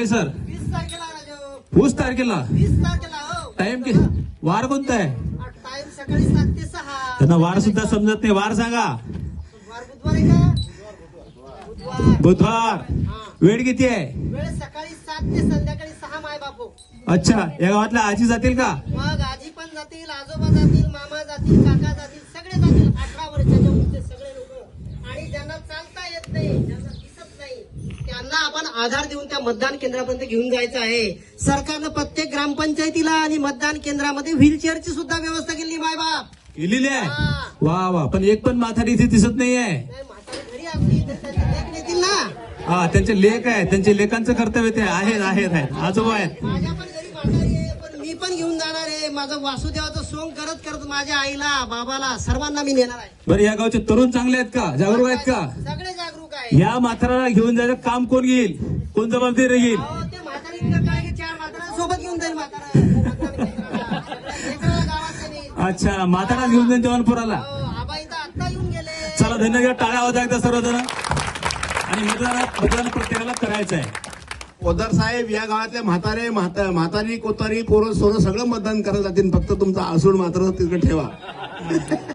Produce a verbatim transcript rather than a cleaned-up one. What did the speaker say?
आहे सर? वीस तारखेला राजू. वीस तारखेला. वीस तारखेला हो. टाइम कि वार कोणता आहे? टाइम सकाळी सात ते सहा. त्यांना वार सुद्धा समजत नाही. वार सांगा. वार बुधवार आहे का? बुधवार. बुधवार. हा. वेळ किती आहे? वेळ सकाळी सात ते संध्याकाळी सहा माय बापू. अच्छा, या गावातल्या आजी जातील का? मग आजी पण जातील, आजोबा जातील, मामा जातील, काका जातील, सगळे जातील. अठरा वर्षाच्या वरचे सगळे लोक. आणि ज्यांना चालता येत नाही, ज्यांना दिसत नाही, त्यांना आपण आधार देऊन त्या मतदान केंद्रापर्यंत घेऊन जायचं आहे. सरकारनं प्रत्येक ग्रामपंचायतीला आणि मतदान केंद्रामध्ये व्हीलचेअरची सुद्धा व्यवस्था केली माय बाप. केलेली आहे. हा. वा वा, पण एक पण म्हातारी इथे दिसत नाहीये. नाही, म्हातारी घरी आपली तर त्यांचे लेक नेतील ना. हा, त्यांचे लेख आहे, त्यांचे लेखांचं कर्तव्य ते आहेत आहेत आहेत आजोबा आहेत. माझ्या पण घरी म्हातारी आहे, पण मी पण घेऊन जाणार आहे. माझं वासुदेवाचं सोंग करत करत माझ्या आईला, बाबाला, सर्वांना मी नेणार आहे. बरं, या गावचे तरुण चांगले आहेत का? जागरूक आहेत का? सगळे जागरूक आहे. या म्हाताराला घेऊन जायचं काम कोण घेईल? कोण जबाबदारी घेईल? अहो, ते म्हातारीतलं काय की चार म्हाताऱ्यांसोबत घेऊन जाईल म्हातारा. लेकराला गावात नाही. अच्छा, म्हातारा घेऊन जाईल जवानपुराला. हो, आबा इथं आत्ता येऊन गेले. चला, धन्यवाद. टाळ्या होत्या एकदा सर्वजण. आणि मतदान मतदान प्रत्येकाला करायचं आहे. पोद्दार साहेब, या गावातल्या म्हातारे म्हाता म्हातारी कोतारी पोरं सोरं सगळं मतदान करायला जातील. फक्त तुमचा आसूड मात्र तिकडे ठेवा.